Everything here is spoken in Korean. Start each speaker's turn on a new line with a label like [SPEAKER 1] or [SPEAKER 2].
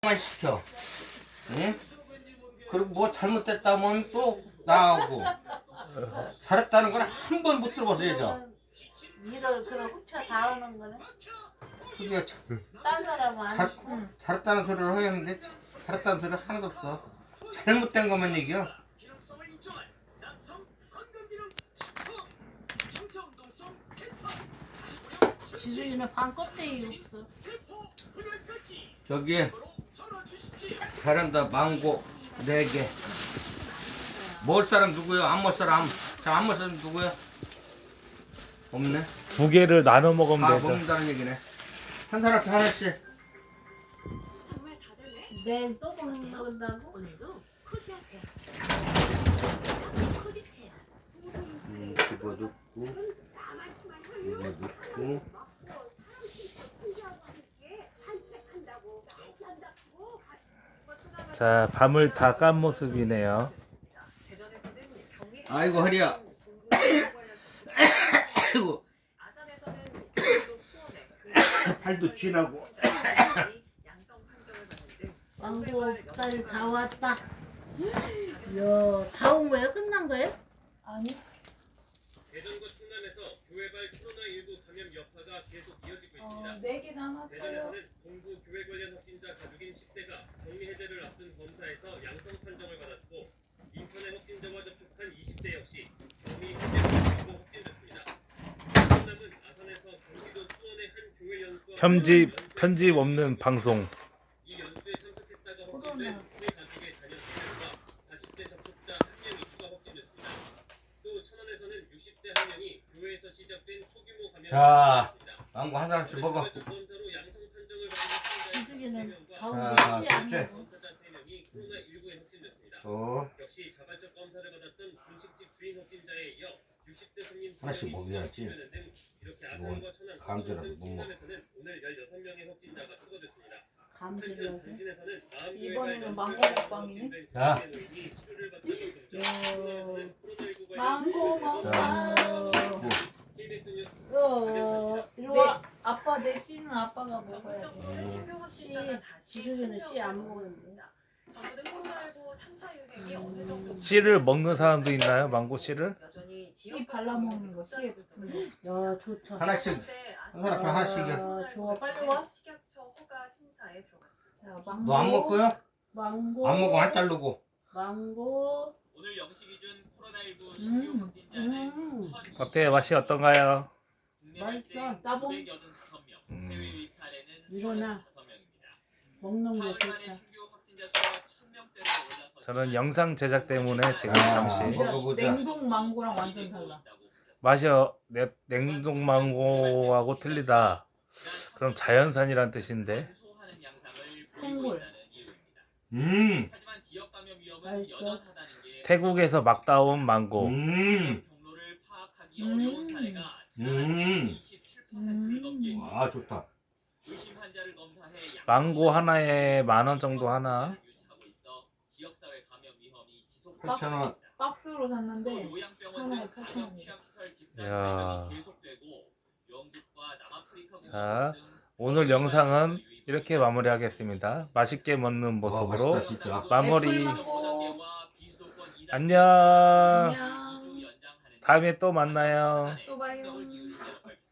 [SPEAKER 1] 만 시켜. 응? 그리고 뭐 잘못됐다면 또 나가고. 잘했다는 건 한 번 못 들어봤어야죠.
[SPEAKER 2] 일을 그런 훔쳐 다 하는 거네.
[SPEAKER 1] 그게
[SPEAKER 2] 딴 사람은 안 시켜.
[SPEAKER 1] 잘했다는 소리를 하였는데 잘했다는 소리 하나도 없어. 잘못된 것만 얘기야.
[SPEAKER 2] 지수이는 반 껍데기 없어.
[SPEAKER 1] 저기 베란다 망고 4개. 먹을 사람 누구요? 안 먹을 사람. 자, 안 먹을 사람 누구요? 없네.
[SPEAKER 3] 2개를 나눠 먹으면
[SPEAKER 1] 다
[SPEAKER 3] 되죠.
[SPEAKER 1] 먹는다는 얘기네. 한 사람한테 하나씩.
[SPEAKER 2] 내일 또 먹는다고?
[SPEAKER 1] 집어넣고 이거 넣고.
[SPEAKER 3] 자, 밤을 다 깐 모습이네요.
[SPEAKER 1] 아이고 허리야. 아이고 팔도 쥐나고.
[SPEAKER 2] 망고 딸 다 왔다. 이야, 다 온 거예요? 끝난 거예요? 아니.
[SPEAKER 4] 대전과 충남에서 교회발 코로나19 감염 여파가 계속 이어지고 있습니다.
[SPEAKER 5] 4개 남았어요.
[SPEAKER 4] 대전에서는 동부 교회 관련 확진자 가족인 10대가 격리 해제를 앞둔 검사에서 양성 판정을 받았고, 인천의 확진자와 접촉한 20대 역시 격리 해제로 확진됐습니다. 충남은 아산에서 경기도 수원의 한 교회 연수와
[SPEAKER 3] 편집 없는 방송.
[SPEAKER 4] 이 연수에 참석했다가 확진된 교회 가족의 자녀 2명과 40대 접촉자 1명이 추가 확진됐습니다. 또 천안에서는 60대 1명이 교회에서 시작된 소규모 감염이
[SPEAKER 1] 자,
[SPEAKER 4] 있습니다.
[SPEAKER 1] 망고 한 사람씩 먹어.
[SPEAKER 4] 검사로 양성 판정을 받은
[SPEAKER 2] 지수이는 다 온
[SPEAKER 1] 자,
[SPEAKER 2] 거 씨 안
[SPEAKER 1] 셋째.
[SPEAKER 2] 먹어.
[SPEAKER 4] 검사자 3명이 코로나19에 확진됐습니다.
[SPEAKER 1] 또
[SPEAKER 4] 역시 자발적 검사를 받았던 분식집 주인 확진자에 이어 60대 손님
[SPEAKER 1] 하나씩 먹여야지.
[SPEAKER 4] 등 이렇게
[SPEAKER 1] 이건
[SPEAKER 4] 아산과 천안,
[SPEAKER 1] 감자라서 못 먹어.
[SPEAKER 4] 충남에서는 오늘 16명의 확진자가 추가됐습니다.
[SPEAKER 2] 감질러서.
[SPEAKER 4] 대신에서는
[SPEAKER 5] 이번에는 망고 먹방이네.
[SPEAKER 1] 자.
[SPEAKER 5] 망고 먹방.
[SPEAKER 2] 이리 와.
[SPEAKER 5] 아빠 내 씨는 아빠가 먹어야 돼.
[SPEAKER 2] 지수이는 씨 안 먹는데.
[SPEAKER 6] 정부는 코로나19 3차 유행이 어느 정도
[SPEAKER 3] 씨를 먹는 사람도 있나요? 망고 씨를?
[SPEAKER 6] 여전히
[SPEAKER 5] 씨 발라 먹는 거, 씨에 붙은 거.
[SPEAKER 2] 야, 좋다.
[SPEAKER 1] 하나씩 한 사람한테 하나씩이야.
[SPEAKER 2] 아, 좋아, 빨리 와.
[SPEAKER 6] 식약처 허가 심사에 들어갔습니다.
[SPEAKER 5] 자, 망고.
[SPEAKER 1] 너 안 먹고요?
[SPEAKER 2] 망고.
[SPEAKER 1] 안 먹고 안 자르고.
[SPEAKER 2] 망고.
[SPEAKER 4] 오늘 0시 기준 코로나19 신규 확진자는
[SPEAKER 3] 어때요? 맛이 어떤가요?
[SPEAKER 2] 맛있어.
[SPEAKER 5] 나봉.
[SPEAKER 4] 985명, 해외 유입 사례는
[SPEAKER 2] 일어나.
[SPEAKER 4] 35명입니다.
[SPEAKER 2] 먹는 게
[SPEAKER 4] 4월 만에
[SPEAKER 2] 좋다.
[SPEAKER 4] 신규 확진자 수가 1000명대로 올랐거든요.
[SPEAKER 3] 저는 영상 제작 때문에 지금
[SPEAKER 1] 아,
[SPEAKER 3] 잠시
[SPEAKER 5] 진짜
[SPEAKER 1] 먹어보자.
[SPEAKER 5] 냉동 망고랑 완전 달라.
[SPEAKER 3] 맛이 냉동 망고하고 틀리다. 그럼 자연산이란 뜻인데.
[SPEAKER 5] 생굴.
[SPEAKER 4] 하지만 지역 감염 위험은
[SPEAKER 2] 맛있어.
[SPEAKER 4] 여전하다는 게
[SPEAKER 3] 태국에서 막 따온 망고.
[SPEAKER 4] 경로를 파악하기 어려운 사례가
[SPEAKER 1] 음.
[SPEAKER 4] 27%를 넘게
[SPEAKER 1] 와, 좋다.
[SPEAKER 4] 의심 환자를 검사해
[SPEAKER 3] 망고 하나에 10,000원 정도 하나.
[SPEAKER 4] 유지하고 있어 지역사회 감염 위험이 지속
[SPEAKER 1] 8,000원.
[SPEAKER 5] 박스로 샀는데
[SPEAKER 4] 요양병원
[SPEAKER 5] 하나에
[SPEAKER 4] 등
[SPEAKER 5] 8,000원.
[SPEAKER 4] 취약시설 집단
[SPEAKER 3] 이야.
[SPEAKER 4] 감염이 계속되고 영국과 남아프리카
[SPEAKER 3] 자, 오늘 영상은 이렇게 마무리하겠습니다. 맛있게 먹는
[SPEAKER 1] 와,
[SPEAKER 3] 모습으로
[SPEAKER 1] 맛있다, 진짜.
[SPEAKER 3] 마무리.
[SPEAKER 5] 애플망고.
[SPEAKER 3] 안녕.
[SPEAKER 5] 안녕.
[SPEAKER 3] 다음에 또 만나요.